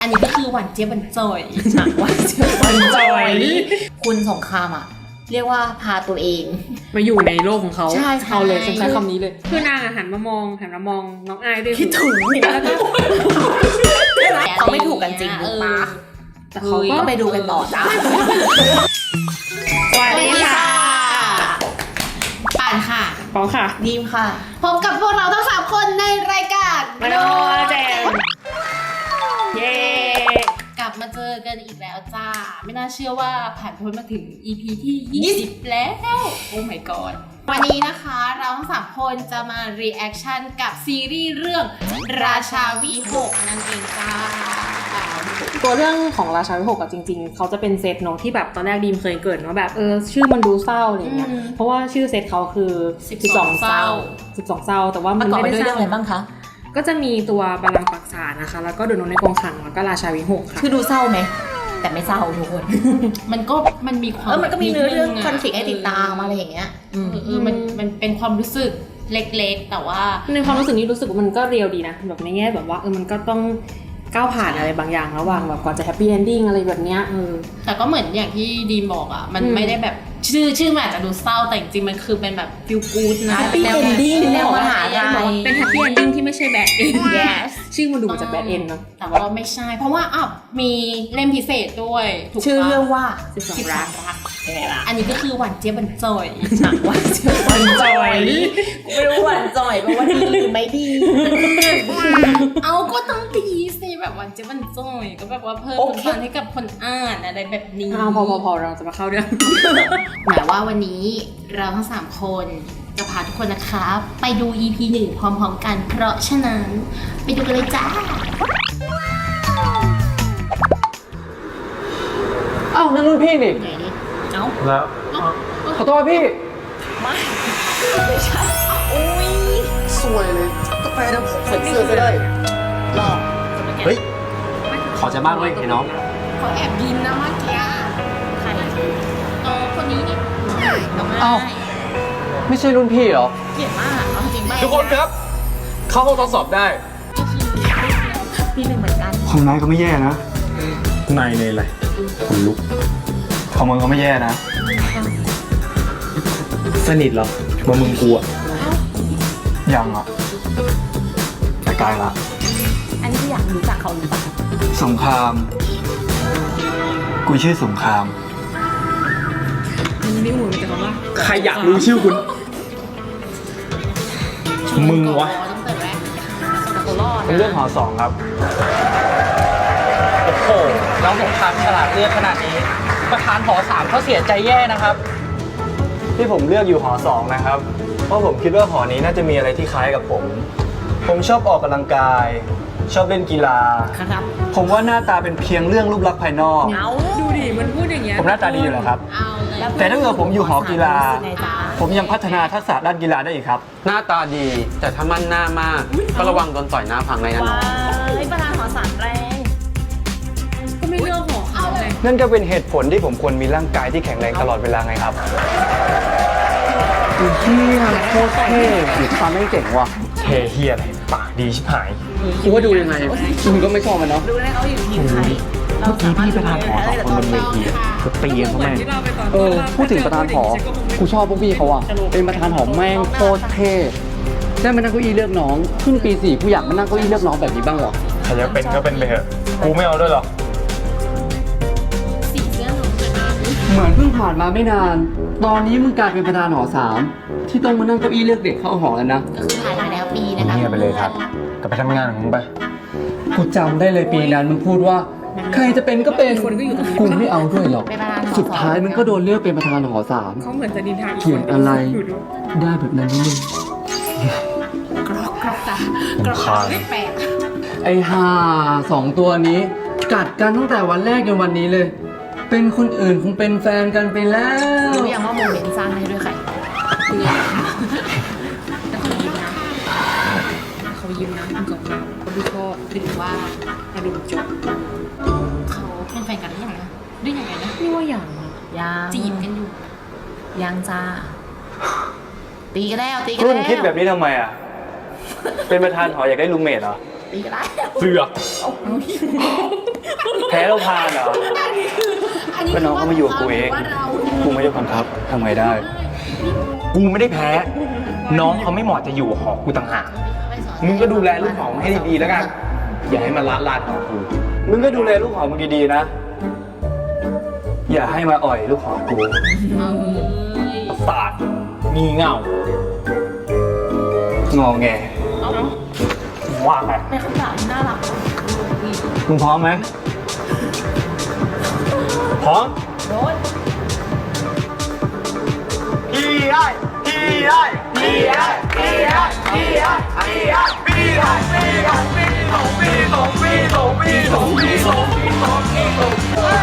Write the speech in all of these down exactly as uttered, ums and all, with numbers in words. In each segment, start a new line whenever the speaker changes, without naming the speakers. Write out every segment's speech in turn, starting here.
นี้ก็คือหวานเจี๊ยบบันจ่อยหวานเจี๊ยบบันจ่อยคุณสงครามอ่ะเรียกว่าพาตัวเอง
มาอยู่ในโลกของเขา
ใช่
เอาเลยฉันใช้คำนี้เลยคือนางหันมามองหันมามองน้องอายด้วย
คิดถึงแล้วก็เขาไม่ถูกกันจริงหรือเปล่า
แต่เขาก็
ไปดูกันต่อจ้าสวัสดีค่ะป่านค่ะ
ปองค่ะ
ดีมค่ะพบกับพวกเราทั้งสามคนในรายการ
มาโนแจมเย้
กลับมาเจอกันอีกแล้วจ้าไม่น่าเชื่อว่าผ่านพ้นมาถึง อี พี ที่ยี่สิบแล้วโอ้ my god วันนี้นะคะเราทั้งสามคนจะมา reaction กับซีรีส์เรื่องราชาวิหกนั่นเองจ้า
ตัวเรื่องของราชาวิหกอะจริงๆเขาจะเป็นเซตเนาะที่แบบตอนแรกดีมเคยเกิดว่าแบบเออชื่อมันดูเศร้าอะไรเงี้ยเพราะว่าชื่อเซตเขาคือสิบสองเศร้าสิบสองเศร้าแต่ว่ามันไม่ได้เศร้า
อะไรบ้างคะ
ก็จะมีตัวบัลลังก์ปักษานะคะแล้วก็โดนในกองขังแล้วก็ราชาวิหกค่ะ
คือดูเศร้าไหมแต่ไม่เศร้าทุกคนมันก็มันมีความเออมันก็มีเนื้อเรื่องคอนฟลิกต์ให้ติดตามอะไรอย่างเงี้ยเออมันมันเป็นความรู้สึกเล็กๆแต่ว่า
ในความรู้สึกนี้รู้สึกว่ามันก็เรียลดีนะแบบในแง่แบบว่าเออมันก็ต้องก้าวผ่านอะไรบางอย่างระหว่างแบบก่อนจะแฮปปี้เอนดิ้งอะไรแบบเนี้ยเออ
แต่ก็เหมือนอย่างที่ดีมบอกอ่ะมันไม่ได้แบบชื่อชื่อมันอาจจะดูเศร้าแต่จริงๆมันคือเป็นแบบฟิลกู๊ดนะ
แฮปปี้เอนดิ้ง
แนวมหาลัย
เป็นแฮปปี้เอนดิ้งที่ไม่ใช่แบดเอนด์ชื่อมันดูเหมือนจะแบดเอนด์เนาะ
แต่ว่าไม่ใช่เพราะว่าอ่ะมีเล่มพิเศษด้วย
ชื่อเรื่องว่า
สิบสองรักอันนี้ก็คือหวานเจี๊ยบบันจ่อยหวานเจี๊ยบ
บันจ่อย
ไม่รู้หวานจ่อยแปลว่าดีหรือไม่ดีเอาก็ต้องดีสิแบบหวานเจี๊ยบบันจ่อยก็แบบว่าเพิ่มความให้กับคนอ่านอะไรแบบนี้
พอพอพอเราจะมาเข้าเรื่อง
หมายว่าวันนี้เราทั้งสามคนจะพาทุกคนนะคะไปดู อี พี หนึ่งพร้อมๆกันเพราะฉะนั้นไปดูกันเลยจ้า
อ้าวนั่นรุ่นพี่นี่
เอ้า
แล้วขอโทษพี่
ไม่ไม่ใช่อุ้ย
สวยเลยกาแฟน้ำใส่เสื้อก็ได้
หลอก
เฮ้ยขอจะบ้างเลยไอ้น้อง
เขาแอบยิ้มนะเมื่อกี้ใครเออคนนี้นี่น้องไอ้
ไม่ใช่รุ่นพี่เหรอ
เกลียดมากเอาจริงๆ
ทุกคนครับเข้าห้องทดสอบได้
พี่หนึ่งเหมือนกัน
ของนายก็ไม่แย่นะนายเลยอะไรคนลุกของมึงก็ไม่แย่นะสนิทเหรอว่ามึงกลัวยังอ่ะแต่กลายละ
อันนี้อยากรู้จักเขาหรือเปล่า
สงครามกูชื่อสงคราม
นี่หูแต่คำว่า
ใครอยากรู้ชื่อคุณมึงวะเป็นเรื่องหอสองครับโอ้โหน้องสงครามฉลาดเลือกขนาดนี้ประธานหอสามเขาเสียใจแย่นะครับที่ผมเลือกอยู่หอสองนะครับเพราะผมคิดว่าหอนี้น่าจะมีอะไรที่คล้ายกับผมผมชอบออกกำลังกายชอบเล่นกีฬา
ครับ
ผมว่าหน้าตาเป็นเพียงเรื่องรูปลักษณ์ภายนอก
ดูดิมันพูดอย่างเงี้ย
ผมหน้าตาดีอยู่แล้วครับแต่ถ้าเกิดผมอยู่หอกีฬาผมยังพัฒนาทักษะด้านกีฬาได้อีกครับ
หน้าตาดีแต่ถ้ามั่นหน้ามากก็ระวังโดนต่อยหน้าพังเลยนะน้อง
ประธานหอสามแรง
ก็ไม่เลือกหอเขาไง
นั่นก็เป็นเหตุผลที่ผมควรมีร่างกายที่แข็งแรงตลอดเวลาไงครับเฮียโคตรเท่หรือความไม่เก่งว่ะเท่เฮียอะไรปากดีชิบหาย
คิดว่าดูยังไงคุณก็ไม่ชอบมันเนาะ
ดูแล้วเขาอยู่ทีมใคร
เมื่อกี้พี่ประธานหอสองคนบนเวทีก็ตีกันเขาแม่งเออพูดถึงประธานหอกูชอบพวกพี่เขาอ่ะเป็นประธานหอแม่งโคตรเท่ได้มานั่งเก้าอี้เลือกน้องขึ้นปีสี่กูอยากมานั่งเก้าอี้เลือกน้องแบบนี้บ้างหรอใครจะเป็นก็เป็นไปเถอะกูไม่เอาด้วยหรอก
สีเสื้อหนูเลยนะ
เหมือนเพิ่งผ่านมาไม่นานตอนนี้มึงกลายเป็นประธานหอสามที่ต้องมานั่งเก้าอี้เลือกเด็กเข้าหอแล้วนะ
ก็คือผ่านมาแล้วปีนะคะ
เงียบไปเลยครับกลับไปทำงานของมึงไปกูจำได้เลยปีนั้นมึงพูดว่าใครจะเป็นก็เป็นกูไม่เอาด้วยหรอกสุดท้ายมึงก็โดนเลือกเป็นประธานหอสาม
เขาเหมือนจะดินทาง
เขียนอะไรได้แบบนั้นนี่มึง
กรอกกรอกตากรอกไม่แปลก
ไอ้ห่าสองตัวนี้กัดกันตั้งแต่วันแรกจนวันนี้เลยเป็นคนอื่นคงเป็นแฟนกันไปแล้ว
รู้ยังว่าโมเมนต์สร้างให้ด้วยใคร
เขายิ้มนะคุณสงครามเขาดูชอบหรือว่ามาดูจบ
เขาเป็นแฟนกันหรือยังนะด้วยยังไงนะ
นี่ว่าอย่าง
ยังจีบกันอยู่ยังจ้าตีกันแล้วตีกัน
แล้วรุ่นคิดแบบนี้ทำไมอ่ะเป็นประธานหออยากได้รูมเมทเหรอ
ตีก็ได้
เสือกแพ้เราพานเหรอ
อันนี้
ก็น้องก็มาอยู่กับกูเอง
ว่าเรา
กูไม่ได้บังคับทำไงได้
กูไม่ได้แพ้ น้องเขาไม่เหมาะจะอยู่หอกูต่างหากมึงก็ดูแลลูกหอมให้ดีๆแล้วกัน อย่าให้มันละลานหอกู
มึงก็ดูแลลูกหอมมึงดีๆนะ อย่าให้มาอ่อยลูกหอมกู
ประสาทมีเงาง
อแง
ว่าไง
เป็นคำถามที่น่ารัก
มึงพร้อมไหม
พร้อม
โดน
พี่ได้พี่ได้พี่ได้พี่ได้พี่ได้พี่ได้พี่ได้พี่ได้พี่สองพี่สองพี่สองพี่สองพี่สองพี่สองพี่สอง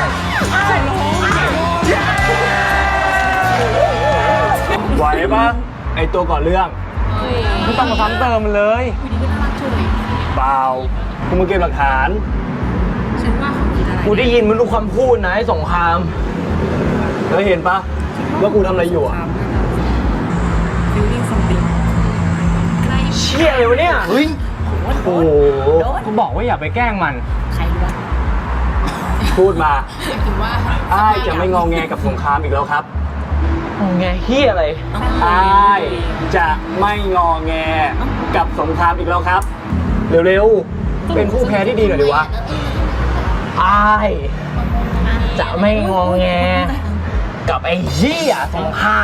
ไหวปะไอตัวก่อนเรื่องไม่ต้องมาซ้ำเติมมันเลยเปล่ากูมาเก็บหลักฐาน
ฉันว่าเขาคิดอะไร
กูได้ยินมันรู้คำพูดนะไอ้สงครามแล้วเห็นปะว่ากูทำอะไรอยู่อ่ะ
ฟิลลิ่งซัมติง
เชี่ยเลยวะเนี่ยเฮ้ยโอ้โหกูบอกว่าอย่าไปแกล้งมัน
ใครรู้วะ
พูดมา
คิดว่า
อ้ายจะไม่งอแงกับสงครามอีกแล้วครับงอแงเฮียอะไรอ้ายจะไม่งอแงกับสงครามอีกแล้วครับ เร็วๆเป็นผู้แพ้ที่ดีหน่อยดีวะอ้ายจะไม่งอแงกับไอ้เหี้ยสงคราม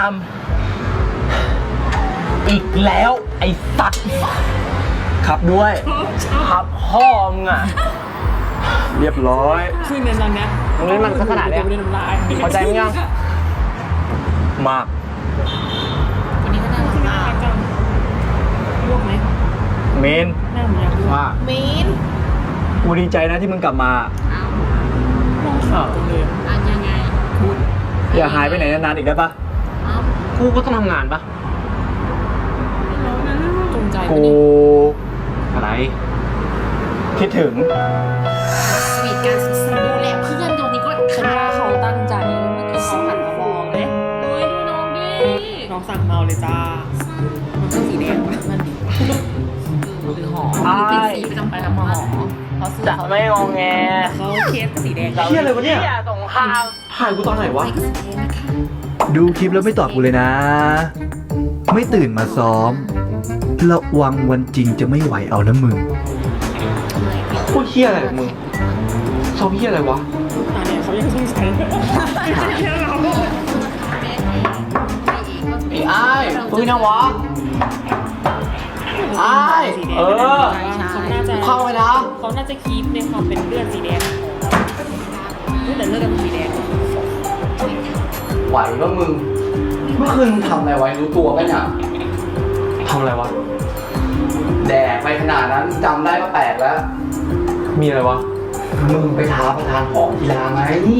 อีกแล้วไอ้สัตว์ขับด้วยขับพ่อมึงอ่ะ เรียบร้อย
คือในตอนเนี้ย
มึงเล่นมันขนาดเนี้ย
ไม่ได้น้ำลาย
เข้าใจมั้ยยัง มาก
วันนี้ก็น่ารักมาก
จังลวกไหม
เมน
แม่ผมอยากลวก
มาก
มีน
กูดีใจนะที่มึงกลับมา
ลองข่าวจังเลย
อันยังไงคุณ
อย่าหายไปไหนนานๆอีกได้ปะ
กูก็ต้องทำงานปะ
จงใจ
กู
อะไร
คิดถึง
สวีทการศึกษาดูแลเพื่อนตรงนี้ก็
ฉันว่าเขาตั้งใจเมื่อกี้เขาหันมามองเลย
เฮ้ยดูน้องดิ
น้องสั่งเมาเลยจ้ามันก็สีแดงมัน
หรือหอ
อ้าย
เป็นสีประจำไปทำหอเพราะซื้อ
จะ
เขา
ไม่งอแง
เขาเคสสีแดง
เฮียอะไรวะเนี่ยสงครามถ่ายกูตอนไหนวะ
ดูคลิปแล้วไม่ตอบกูเลยนะ ไม่ตื่นมาซ้อม ระวังวันจริงจะไม่ไหวเอานะมึง
พูดเฮียอะไรของมึงชอบเฮียอะไรวะ
อ่าเนี่ยเขายังสงสัยแค่เรา
ไอ้อ้ายปืนนะวะอ้ายเออ
เขาน่าจะ
เข้าไปนะ
เขาน่าจะคีปในความเป็นเลือดสีแดงแต่เลือดเป็นสีแดง
ไหวปะมึง เมื่อคืนมึงทำอะไรไว้รู้ตัวปะเนี่ย
ทำอะไรวะ
แดกไปขนาดนั้นจำได้ก็แปลกแล้ว
มีอะไรวะ
มึงไปท้าประธานหอกีฬาไง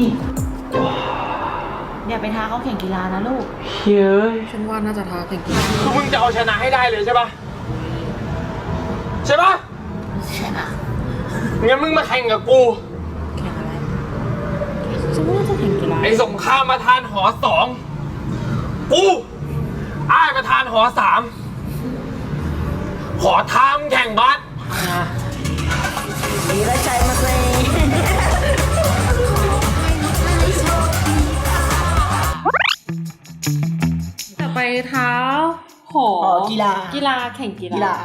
อย่าไปท้าเขาแข่งกีฬานะลูก
เฮ้ย
ฉันว่าน่าจะท้าแข่งกีฬา
คือมึงจะเอาชนะให้ได้เลยใช่ปะใช่ปะ
ใช่ปะ
งั้นมึงมาแข่งกับกู
แข่งอะไรฉันว่าน่าจะแข่งกีฬา
ไอ้สงครามประธานหอสองกูอ้ายประธานหอสามขอทามแข่งบาส
ดีแล้วใจมาเลย
แต่ไปเท้าหอ
กีฬา
กีฬาแข่งกีฬา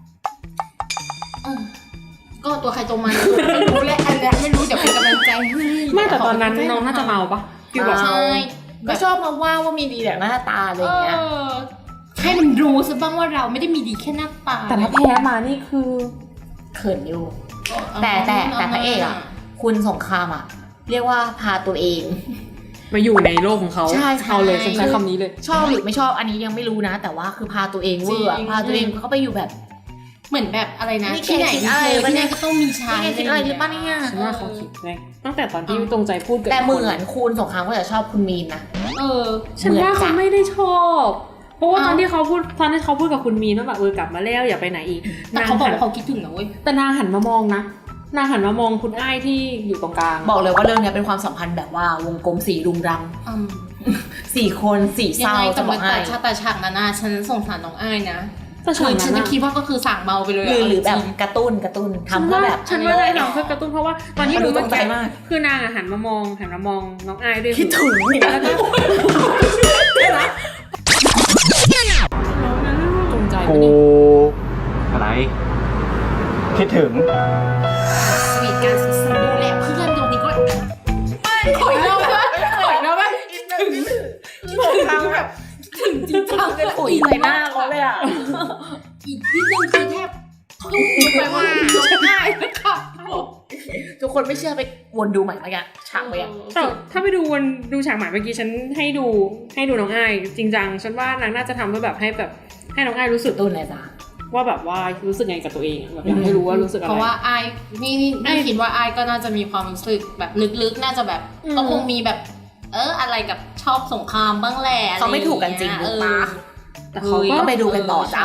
ก็ตัวใครตัวมันไม่รู้แหละอันเนี้ยไม่รู้เดี๋ยวเป็นกำลังใจให้
ไม่แต่ตอนนั้นน้องน่าจะเมาปะฟิลแบบ
ใช่ก็ชอบมาว่าว่ามีดีแต่หน้าตาอะไรอย่างเงี้ยให้มันรู้ซะบ้างว่าเราไม่ได้มีดีแค่หน้าตา
แต่ถ้าแพ้มานี่คือ
เขินอยู่แต่แต่แต่พระเอกอ่ะคุณสงครามอ่ะเรียกว่าพาตัวเอง
มาอยู่ในโลกของเขา
ใช่ใช่
เอาเลยฉันใช้คำนี้เลย
ชอบหรือไม่ชอบอันนี้ยังไม่รู้นะ แต่ว่าคือพาตัวเองเวอร์อะ
จริง
พาตัวเองเข้าไปอยู่แบบ เหมือนแบบอะไรนะ
นี่
ที่ไหน
แกคิด
มี
อะไร
เธอ
วะ
ที่
เนี่
นั่
ย
นก็ต้องมีฉัน
นี่แกคิดอะไรหรือเปล่าเนี่ย
ฉั
ฉันว่าเขาคิดไงตั้งแต่ตอนที่ตรงใจพูดกับ
แต่เหมือนคุณสงครามก็จะชอบคุณมีนนะ
เออ ฉันว่าเขาไม่ได้ชอบ เพราะว่าตอนที่เขาพูดตอนที่เขาพูดกับคุณมีนว่าแบบเออกลับมาแล้วอย่าไปไหนอีก
แต่เขาบอก
หัน
ว่าเขาคิดถึงนะเว้ย
แต่นางหันมามองนะนางหันมามองคุณอ้ายที่อยู่ตรงกลาง
บอกเลยว่าเรื่องนี้เป็นความสัมพันธ์แบบว่าวงกลมสีรุงรังสี่คนสี่เศ
ยัง
ร้า
ไง
จะ
จะ
บบ อ
อก ก
ให้
แต่ชาตาฉากนั้นนะฉันสงสารน้องอ้ายนะ
แต่ฉาก
คือ
นั้
ฉัน
น
จะ
อะ
คิดว่าก็คือสั่งเมาไปเลย
หรือหรือแบบ
จง
การ์ตูนการ์ตูน
ฉัน
ทำเพื่อ
ว่า
แบบ
ฉันว่าได้ทำเพื่อกระตุ้นเพราะว่าตอนที่
มันดู
ดูเมื่อ
ตรงใจ
กี้
มาก
คือนางอะหันมามองหันมามองน้องอายด้วย
คิดถึงเนี่ย
แล้วก็จงใจ
กู อะไร คิดถึง
สวีทการศึกษาดูแลเพื่อนตรงนี้ก็ขอยเราไหมขอยเราไหมถึงถึงแบบถึงจริงจังเลย
ปุ๋ยใส่หน้าเขาเลยอ่ะ
อีกนิดนึงคือแทบทุ่มไปว่าร้องไห้นะคะ
ทุกคนไม่เชื่อไปวนดูใหม่แล้วกันฉากไปอ่ะ
แต่ถ้าไปดูวันดูฉากใหม่เมื่อกี้ฉันให้ดูให้ดูน้องอายจริงจังฉันว่านางน่าจะทำเพื่อแบบให้แบบให้น้องอายรู้สึก
ตูนไหนจ้ะ
ว่าแบบว่ารู้สึกไงกับตัวเองอะแบบอยากให้รู้ว่ารู้สึกอะไร
เพราะว่าไอายนี่นี่นี่คิดว่าไอายก็น่าจะมีความรู้สึกแบบลึกๆน่าจะแบบ
อืม
ก็คงมีแบบ เอออะไรกับชอบสงครามบ้างแหละอะร
เขาไม่ถูกกันจริง
อย่า
หรือ
เย
เปล่า
แต่เขาก็
ก็ไปดูกันต่อจ้ะ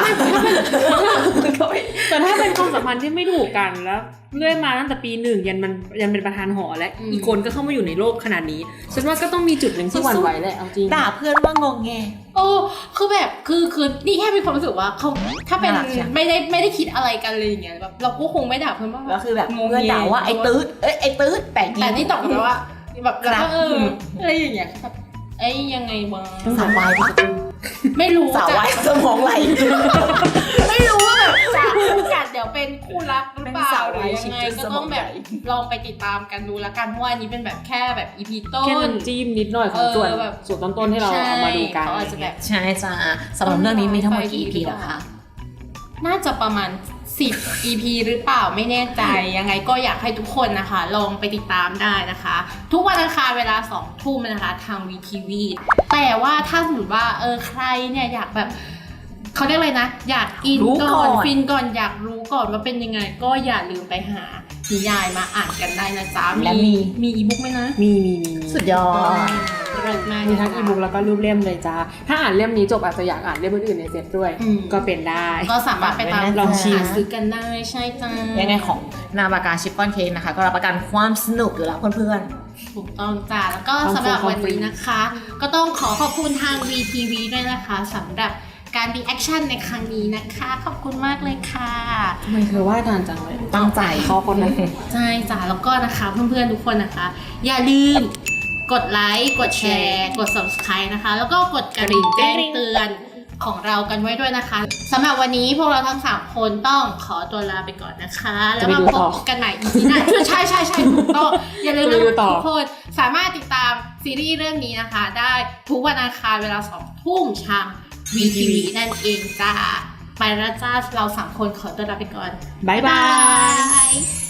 แต่ถ้าเป็นความสัมพันธ์ที่ไม่ถูกกันแล้วเรื่อยมาตั้งแต่ปีหนึ่งยันมันยันเป็นประธานหอและอีกคนก็เข้ามาอยู่ในโลกขนาดนี้ฉันว่าก็ต้องมีจุดหนึ่งที่หวั่นไหวแหละเอาจริง
ด่าเพื่อนว่างงแง
โอ้คือแบบคือคือนี่แค่มีความรู้สึกว่าเขาถ้าเป็น
น่ารักใช่
ไม่ได้ไม่ได้คิดอะไรกันเลยอย่างเงี้ยแบบเราก็คงไม่ด่าเพื่อนว่า
แล้วคือแบบ
งง
เพื่อนด่าว่าไอ้ตืดเอ้ยไอ้ตืดแต่จริง
แต่นี่ตอบกลับไปว่าแบบแล้ว
ครั
ก็
บ
เอออะไรอย่างเงี้ยแบบเอ้ยยังไงวะ
สาววายปะ
ไม่รู้
สาววายสมองไหล
ไม่รู้ว่าแบบจากคู่กัดเดี๋ยวเป็นคู่รักหรือเปล่า
เป็นสาว
หรื
วาย
อยังไง
ชิค
ก็
สม
ต้
อ
อง ง
ให
แบ
ญ่
บลองไปติดตามกันดูละกันเพราะว่าอันนี้เป็นแบบแค่แบบอีพีต้น
แค่น้ำจิ้มนิดหน่อยของส่วน
เออแบบ
ส่วนต้นๆที่เราเอามาดูกัน
เขาอาจจะแบบ
ใช่จ้ะสำหรับเรื่องนี้มีทั้งหมดกี่ อี พี เหรอคะ
น่าจะประมาณสิบ อี พี หรือเปล่าไม่แน่ใจยังไงก็อยากให้ทุกคนนะคะ ลองไปติดตามได้นะคะ ทุกวันอังคารเวลาสองทุ่มนะคะทาง วี ที วี แต่ว่าถ้าสมมติว่าเออใครเนี่ยอยากแบบเขาเรียกอะไรนะ อยากอิน
รู้ก่
ก่
อ
อน นฟินก่อนอยากรู้ก่อนว่าเป็นยังไง ก็อย่าลืมไปหานิยายมาอ่านกันได้นะจ๊ะ
และมี
มีอีบุ๊กไหมนะ
มีมีมีมี
สุดยอด
เลิศมาก
มีทั้งอีบุ๊กแล้วก็รูปเล่มเลยจ้าถ้าอ่านเล่มนี้จบอาจจะอยากอ่านเล่มอื่นๆในเซตด้วย
อืม
ก็เป็นได้
ก็สามารถไปตาม
ลองชิม
หาซื้อกันได้ใช่จ้า
ยังไงของนาบากาชิปปอนเค้กนะคะ ก็รับประกันความสนุกอยู่แล้วเพื่อน
ถูกต้องจ้าแล้วก็
ความ
สำหรับ
ฟรี
วันนี้นะคะ ก็ต้องขอขอบคุณทาง วี ที วี ด้วยนะคะสำหรับการรีแอคชั่นในครั้งนี้นะคะ ขอบคุณมากเลยค่ะ
ทำไมเธอว่าทานจังเลย
ตั้งใจ
เขาคนนั้น
ใช่จ้าแล้วก็นะคะเพื่อนๆทุกคนนะคะ อย่าลืมกดไลค์กดแชร์กด ซับสไครบ์ นะคะ แล้วก็กดกระดิ่งแจ้งเตือนของเรากันไว้ด้วยนะคะสำหรับวันนี้พวกเราทั้งสามคนต้องขอตัวลาไปก่อนนะคะ แล้วมาพบกันใหม่ อี พี หน้าใช่ใช่ใช่ถูกต้องอย่าลืมนะทุกคนสามารถติดตามซีรีส์เรื่องนี้นะคะ ได้ทุกวันอังคารเวลาสองทุ่มทาง วี ที วี นั่นเองจ้าไปแล้วจ้าเราสามคนขอตัวลาไปก่อน
บ๊ายบาย
ย